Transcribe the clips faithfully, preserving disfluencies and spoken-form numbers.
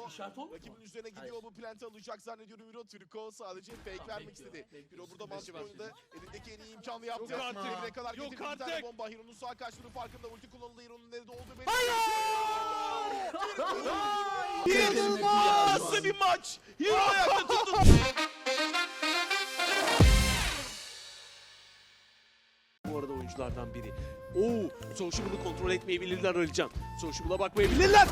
işaret olmuyor mu? Rakibin üzerine gidiyor, Hayır. bu plant'i alacak zannediyorum Hiro. Turko sadece fake Tamam, vermek bekliyor, istedi. bekliyor. Hiro burada Beşi mantıklı var oyunda şimdi. elindeki en iyi imkanı yaptı. Yok artık. Çevireye kadar Yok getirdi bir tane artık. bomba. Hiro'nun sağ kaçtığının farkında, ulti kullanıldı. Hiro'nun nerede olduğu belli. İnanılmaz bir maç. Hiro ayakta tuttu. Bu arada oyunculardan biri. Oo, Sociable'ı kontrol etmeyi bilirler Alican. Sociable'a bakmayı bilirler.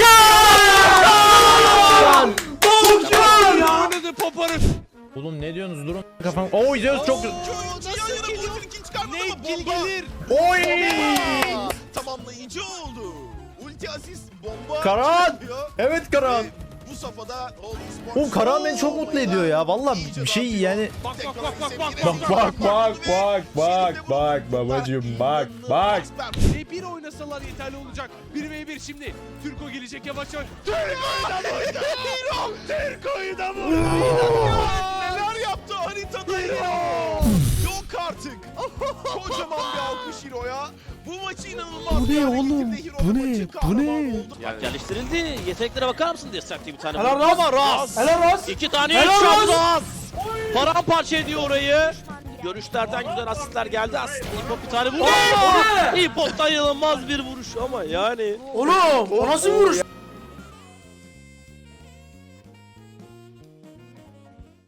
Volkan! Volkan! Oynadı Popar'ı. Oğlum ne diyorsunuz? Durun kafam. Oo Zeus çok güzel. Nasıl geliyor? Ulti çıkarmadı Ne ama kill bomba. gelir? Oy! Bomba tamamlayıcı oldu. Ulti asist bomba. Karan! çıkıyor. Evet Karan. Ve bu safhada Holy Sports. Oğlum Karan beni çok mutlu ediyor ya. Vallahi bir şey yani. Bak bak bak bak bak Bak bak bak bak bak bak babacığım bak bak. bir bir oynasalar yeterli olacak. bir ve bir şimdi. Türko gelecek yavaş yavaş. Türko'yu da vurdu. Hiro! Türko'yu da vurdu. Neler yaptı haritada Hiro? Yok artık. Kocaman bir alkış Hiro'ya. Bu maçı inanılmaz. Bu ne bir hale oğlum? getirdi. Hiro Bu da ne? maçın Bu kahramanı ne? oldu. Bak geliştirildi. Yeteneklere bakar mısın Destructive bir tane. Helal vurdu. Ras. Ama Ras. Helal Ras. İki tane Helal headshot Ras. Ras. Paramparça ediyor orayı. Görüşlerden güzel asistler geldi. Aslında İpop bir tane vurdu. İpop'tan inanılmaz bir vuruş ama yani. Oğlum o nasıl vuruş?